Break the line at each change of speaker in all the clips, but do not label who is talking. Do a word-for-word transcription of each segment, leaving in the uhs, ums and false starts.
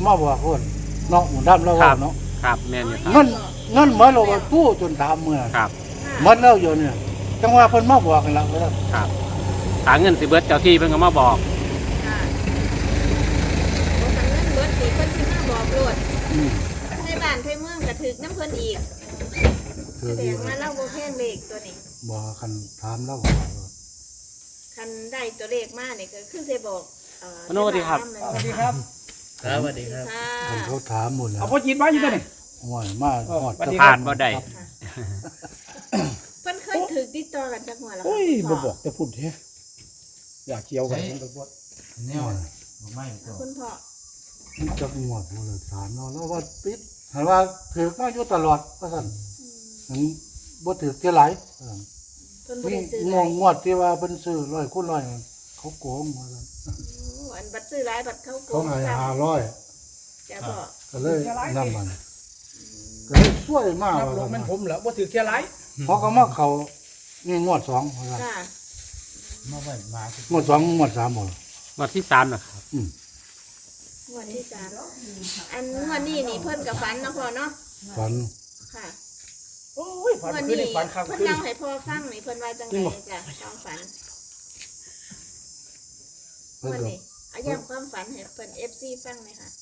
มาบอกคนเนาะหมุนดำแล้วเนาะ
ครับแม่นอยู่ครับ
เงินเงินเหมือนเราตู้จนตามเมื่อ
ครับ
มันแล้วอยู่เนี่ยจังว่าเพิ่นมาบอกกันแล้ว
ครับหาเงินสิเบิดเจ้าที่เพิ่นก็มาบอก
ค่ะบ่คันเงินเบิดสิเพิ่นสิมาบอกโลดในบ้านในเมืองก็ถึกน้ำเพิ่นอีกแสดงว่าเราบ่แพงเลขตัวนี้
บ่คันถามแล้ว
คันได้ตัวเลขมานี่ก็คือสิบอกเอ่อ
สวัสดีครับ
สวัสดีครับ
ครับสวัสดีครับ
เขาถามหมดแล้ว
เอาพ่อจีนมาอยู่ตัวนี้
โอ้ยมาฮอด
ผ่านบ่ได้
เพิ่นเคยถึกติดต่อกันจักหัวแล้ว
โอ้ยบ่บอกแต่พูดแท้อยากเกี่ยวกันมันก็บ่
แนวบ่ไม่ก็
คุณพ่อ
มันจักงวดบ่เลยถามเนาะแล้วว่าปิดหันว่าถือมาอยู่ตลอดว่าซั่นถึงบ่ถือเท่าไหร่
เพิ่นบ่ได้ซื้
องงวดที่ว่าเพิ่นซื้อร้อยคูณร้อยเขาโกงว่าซั่น
อันบัดซื้อหลายบัดเขาโกง
เขาให้ห้าร้อย
จะบ่
ก็เลยนำมันก็เลยช่วยมาก
นับลงมันผมเหรอบ่ถือแค่ไร
เพราะก็มาเขานี่งวดสองว่าซั่น
ค่ะ
มาไว้มาง
วดสองงวดสามบ่
งวดที่สามนะครับ
อืม
งวดที่สามอันงวดนี้นี่เพิ่นก็ฝันเนาะพ่อเนาะ
ฝัน
ค่ะ
โอ้ยฝันคืนนี่ฝันข้าง
เพิ่น
คืน
เล่าให้พ่อฟังนี่เพิ่นว่าจังไดจ้ะความฝันวันนี้อาย้ำความฝันให้เพิ่น เอฟ ซี ฟังหน่อยค่ะ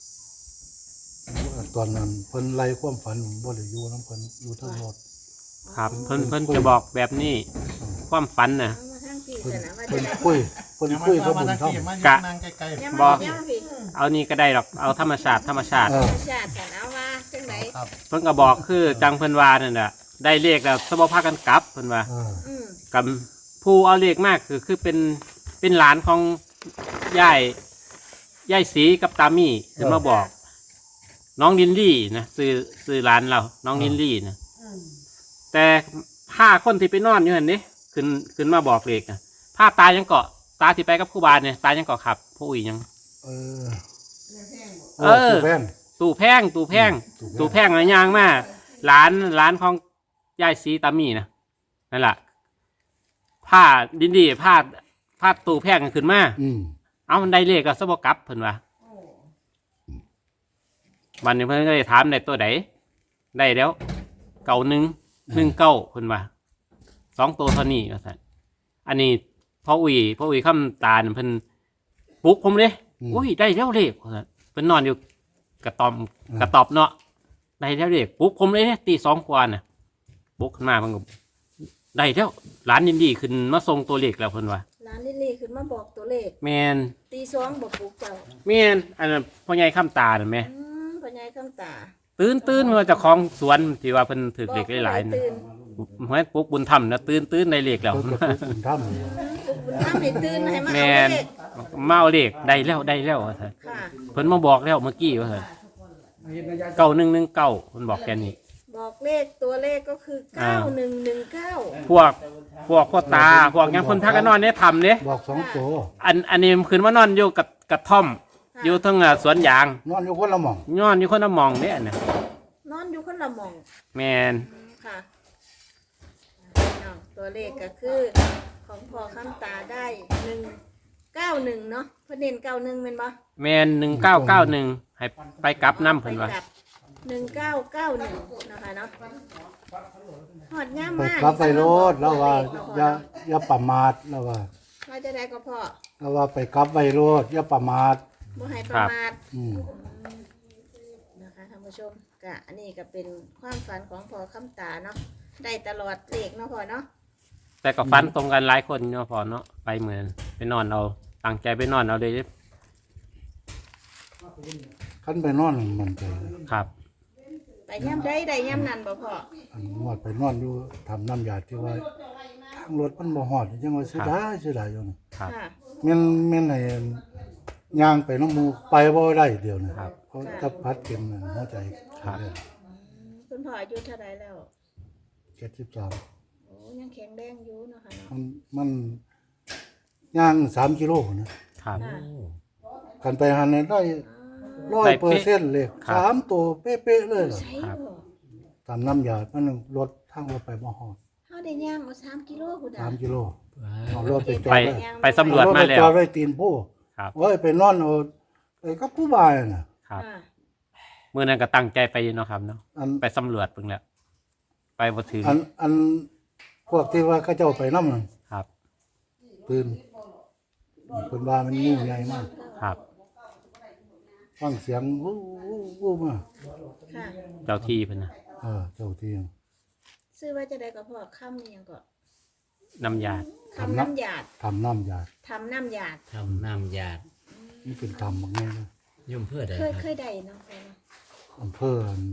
ตอนนั้นเพิ่นไล่ความฝันบ่ได้อยู่นำเพิ่นอยู่ทั้งรถ
ครับเพิ่นเพิ่นจะบอกแบบนี้ความฝันน่ะ
เพิ่นคุยเพิ่นคุยกับบุญธรรม
กะ
บอก
เอานี่ก็ได้หรอกเอาธรรมชาติธรรมชาติ
ธรรมชาติกันเอาว่าจังได๋
เพิ่นก็บอกคือจังเพิ่นว่านั่นน่ะได้เลขแล้วสบ่พากันกลับเพิ่นว่า
อืม
กับผู้เอาเลขมากคือคือเป็นเป็นหลานของยายยายสีกับตามี่เพิ่นมาบอกน้องลินลี่นะซื้อซื้อหลานเราน้องลินลี่นะแต่ผ้าคนที่ไปนอนอยู่หั่นนี่ขึ้นขึ้นมาบอกเลขนะผ้าตายังเกาะตาที่ไปกับครูบาเนี่ยตายังเกาะขับผู้อีหยัง
เออ
เออตู่แพงตู่แพงตู่แพงอะไรย่างมาหลานหลานของยายสีตามี่นะนั่นแหละผ้าดินดีผ้าผ้าตู่แพงขึ้นมาเอามันได้เลขก็สบกับเพิ่นว่าวันนี้เพิ่นก็เลยถามได้ตัวไหนได้แล้วเก่าหนึ่งหนึ่งเก้าเพิ่นว่าสองตัวเท่านี้ก็สั่นอันนี้พ่ออุ้ยพ่ออุ้ยคำตาเพิ่นปลุกผมเลยอุ้ยได้แล้วเลขเพิ่นนอนอยู่กระตอมกระตอบเนาะได้แล้วเลขปลุกผมเลยเนี่ยตีสองกว่าน่ะปลุกขึ้นมาเพิ่นก็ได้แล้วหลานยินดีขึ้นมาส่งตัวเลขแล้วเพิ่นว่า
หลานลิลลี่ขึ้นมาบอกตัวเลข
แมน
ตีสองบอกปลุกเจ้า
แมนอันนั้นพ่อใหญ่คำตาเห็นไหม
พ่อใหญ่คำตา
ตื่นตื่นว่าจะคล้องสวนที่ว่าเพิ่นถือเลขหลายๆนะเฮ้ยปลุกบุญธรรมนะตื่นตื่นในเลขแล้ว
บุญธรรม
บุญธรรมให้ตื่นให้มา
เอาเลขเมาเลขได้แล้วได้แล้วว่าซั่นเพิ่นมาบอกแล้วเมื่อกี้ว่าซั่นเก้าหนึ่งหนึ่งเก้าเพิ่นบอกแค่นี้
บอกเลขตัวเลขก็คือเก้าหนึ่งหนึ่งเก้า
พวกพวกพ่อตาพวกยังคนพักกันนอนเนี่ยทำเนี่ย
บอกสองตัว
อันอันนี้คืนว่านอนอยู่กับกระท่อมอยู่ทั้งสวนยาง
นอนอยู่คนละหม่อง
นอนอยู่คนละหม่องเนี่ยนะ
นอนอยู่คนละหม่อง
แมน
ค่ะตัวเลขก็คือของพ่อคำตาได้หนึ่งเก้าหนึ่งเนาะเพิ่นเน้นเก้าหนึ่งเป็นปะ
แมนหนึ่งเก้าเก้าหนึ่งให้ไปกลับน้ำเพิ่นว่า
หนึ่งเก้าเก้าหนึ่งนะคะเนาะหอดง่ามมาก
กลับไปรถแล้วว่าอย่าอย่าประมาทแล้วว่า
ว่าจะได้ก็พอ
แล้วว่าไปกลับไปรถอย่าประมาท
บ่ให้ประมาท
อืม
นะคะท่านผู้ชมก็อันนี้ก็เป็นความฝันของพ่อคำตาเนาะได้ตลอดเลขเนาะพ่อเนาะ
แต่ก็ฝันตรงกันหลายคนเนาะพ่อเนาะไปเหมือนไปนอนเอาตั้งใจไปนอนเอาเลย
ขั้นไปนอนมันใจ
ครับ
ไปย่ำได้ได้ย่ำนั่นบ่พ่อ
อันนวดไปนอนอยู่ทำน้ำยาที่ว่าทางรถมันบ่ฮอดยังว่าเสียดายเสียดายอยู่นะครับแม่นแม่นให้ย่างไปน้ำมูไปบ่ได้เดียวนะครับเพราะถ้าพัดเข็มนั่นหัวใจ
ครับ
คุณพ่ออายุเท่าไรแล้ว
เจ็ดสิบสาม
โอ้ยังแข็งแรงอยู่เนาะค่ะ
มันมันย่างสามกิโลนะครับกันไปหันได้ร้อยเปอร์เซ็นต์เลยสามตัวเป๊ะๆเลยตามน้ำยามันรถทางรถไปบ่ฮอด
เขาได้ย่างเอาสามกิโลคุณ
สามกิโลเอารถไปจอด
ไปสำรวจมาแล้ว
จอดไว้ตีนผู้เว้ยไปนอนเอาไอ้กับผู้บายน่ะ
ครับ
ค่ะ
เมื่อนั้นก็ตั้งใจไปอยู่เนาะครับเนาะ
อัน
ไปสำรวจเพิ่งแล้ว ไปบ่ถึง
อันอันพวกที่ว่าเขาเจ้าไปนำนั่น
ครับ
ตื่นเพิ่นว่ามันงูใหญ่มาก
ครับ
ฟังเสียงวู้วู้วู้มา
ค่ะ
เจ้าที่เพิ่นน่ะ
เออเจ้าที่
ซื้อว่าจะได้ก็พ่อค่ำอิหยังก็
น้ำยา
คำน้ำหยาด
ทำน้ำยา
ทำน้ำหยาด
ทำน้ำยาด
นี่เป็นกรรมบางแง่นะ
ยุ่มเพื่อใด
เคย
ค
เค
รับ
ยได้เนาะพ่อเนาะ
อำเภออัน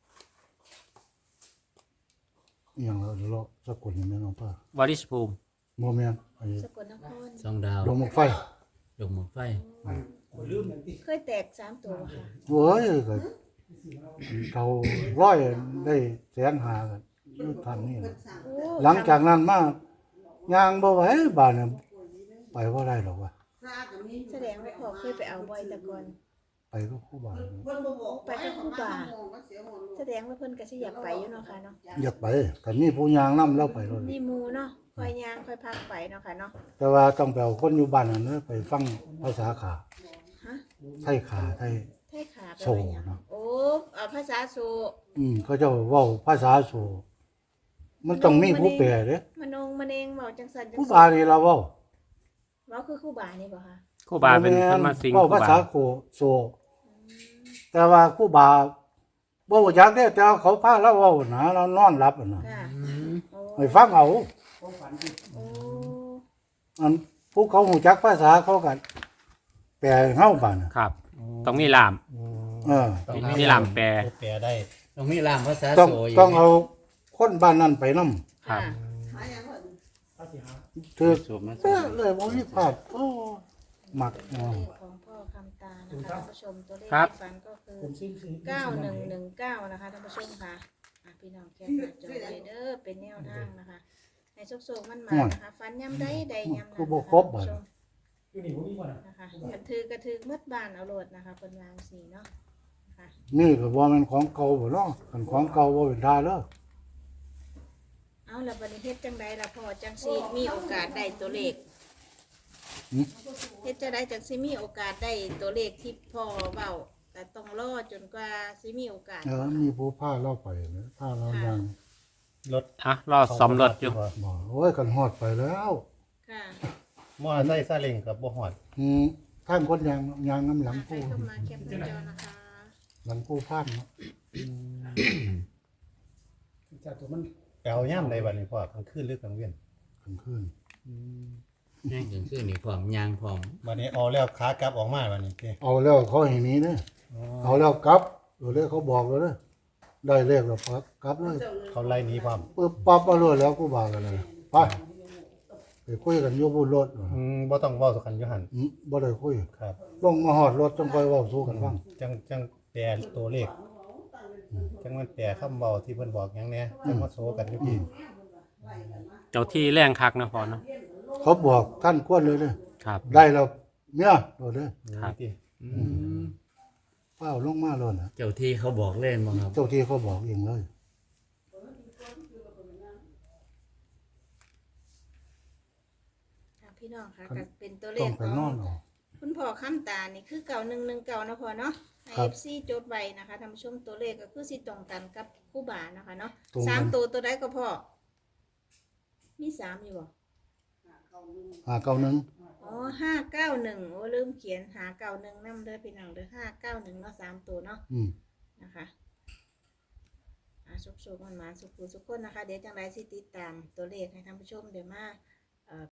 อหย่างเราเราสกุลนี่แม่นอำเภอ
วาริชภูมิ
โมเมนไอ้
สกลนคร
สองดาว
ดงมกไฟ
ดงหมกไฟ
เคยแตกสามตัวบ่ค่ะ
โว้ยก็เขาร้อยได้แสนหากันอยู่ทางนี้นะ
โอ้
หลังจากนั้นมาย่างบ่ไหวบ้านน่ะไปบ่ได้หรอกว่ะ
แสดงว่าพ่อเคยไปเอาบ่อยแต่ก่อน
ไปก็ครูบา
ไปกับครูบาแสดงว่าเพิ่นก็สิอยากไปอยู่เนาะค่ะเนาะ
อยากไปก็มีผู้ย่างนำแล้วไปเลย
มีหมู่เนาะคอยย่างคอยพักไปเนาะค่ะเนาะ
แต่ว่าต้องไปเอาคนอยู่บ้านนั่นนะไปฟังภาษาขา
ฮะ
ไทยขาไทย
ไทยขาไป
โซ
ว่าหยัง
เนาะ
โอ้เอาภาษาโซ
อืมเขาเจะเว้าภาษาโซมันต้องมีผู้แปลเด้
มนงมะเนงเว้าจังซั่นจัง
ผู้
ซี่
บานี่เราเว้า
เว้าคือครูบานี่บ่คะ
ครูบาเป็นเพิ่นมาสิง
เว้า
ครู
ภา
บา
ษาโคโซ แต่ว่าครูบาบ่รู้จักเด้แต่ว่าเขาพาเราเว้านะเรานอนหลับอะนะ
ค่ะโอ้
ให้ฟังเอา
โอ้
อันผู้เขารู้จักภาษาเขาก็แปลให้เฮาบัดน่ะ
ครับ ต้องมีลาม
เออ
มีลามแปล
แปลได้
ต้องมีรามภาษา
ต้อง
โซอยู่
ต้องเอาคนบ้านนั้นไปนำ
ครับ
ถือ
สูบมา
เออเลยบ่มีพลาดโอ้มัก
ตัว
เอา
เลขของพ่อคำตานะคะท่านผู้ชมตัวเลข
ครับ
ที่ฝันก็คือเก้าหนึ่งหนึ่งเก้านะคะท่านผู้ชมค่ะอ่ะพี่น้องแคปหน้าจอไว้เด้อเป็นแนวทางนะคะให้โชคๆมันมานะคะฝันย่ำใดใดย่ำนั้น
คือ
นะ
บ่
คะ
ครบ
ท่าน
บัด
ผู้ชมนะคะกระถือกระถือมืดบานเอาโหลดนะคะเป็นวางสีเนาะนะคะ
นี่ก็บ่แม่นของเก่าบ่เนาะคันของเก่าบ่เป็นท่าเด้อ
เอาละบัดนี้เฮ็ดจังใดล่ะพ่อจังสิมีโอกาสได้ตัวเลขเฮ็ดจังใดจังสิมีโอกาสได้ตัวเลขที่พ่อเว้าแต่ต้องรอจนกว่าสิมีโอกาส
เออมีผู้พาเราไปนะพาเรายัง
รถ
อ่ะรอซ่อมรถอยู่
บ่โอ้ยกันฮอดไปแล้ว
ค่ะ
มอไซค์ซาเล้งกับบ่ฮอด
อืมท่านคนยางยางน้ำหลัง
ใคร
ผู้
เข้ามาแคปหน้าจอนะคะ
หลังผู้พานเนาะ
จากตัวมันแปลย่ำใดบัดนี้พ่อกลางคืนหรือกลางเว้น
กลางคืน
แม่งถึงคือนี่พร้อมยางพร้อม
บัดนี้เอาแล้วขากลับออกมาบัดนี้เด้
เอาแล้วเขาให้หนี้เด้อเอาแล้วกลับเดี๋ยวเลยเขาบอกแล้วเด้อได้เลขแล้วปั๊บกลับเลย
เขาไล่หนีพร้อม
ปึ๊บปั๊บเอาเลยแล้วกูบากันเลยไปไปคุยกันอยู่บนรถว่ะ
อืมบ่ต้องเว้าสู่กันอยู่หั่น
อืมบ่ได้คุย
ครับ
ลงมาฮอดรถจังค่อยเว้าสู่กันฟัง
จังจังแปลตัวเลขจังมันแปลคำเว้าที่เพิ่นบอกหยังแหน่จังมาโซกันอยู่พี่
เจ้าที่แรงคักนะพ่อเนาะ
เขาบอกท่านควรเลยเด้อ
ครับ
ได้แล้วเมียโดดเด้อ
ครับ
ที่
อืม
เป้าลงมาเลยนะ
เจ้าที่เขาบอกเล่นบ่ครับ
เจ้าที่เขาบอกเองเลย
อ่ะพี่น้องค่ะก็เป็นตัวเล
ต้อ
ข
งไป
ของ
นอนเอา
คุณพ่อคำตานี่คือเก่าหนึ่งหนึ่งเก่านะพ่อเนาะให้
ครั
เอบ ฟซีจดไว้นะคะท่านผู้ชมตัวเลขก็คือสิตรงกันกับคู่บานะคะเนาะ
ตรงกัน
สามตัวตัวใดก็พ่อมีสามอยู่บ่
หาเก้าหนึ่ง
อ๋อห้าเก้าหนึ่งโอ้ลืมเขียนหาเก้าหนึ่งนำเด้อพี่น้องเด้อห้าเก้าหนึ่งเนาะสามตัวเนาะ
อืม
นะคะอ่าสุกๆมันมาสุกๆสุกคนนะคะ เดี๋ยวจังไรสิติดตามตัวเลขให้ท่านผู้ชมเดี๋ยวมา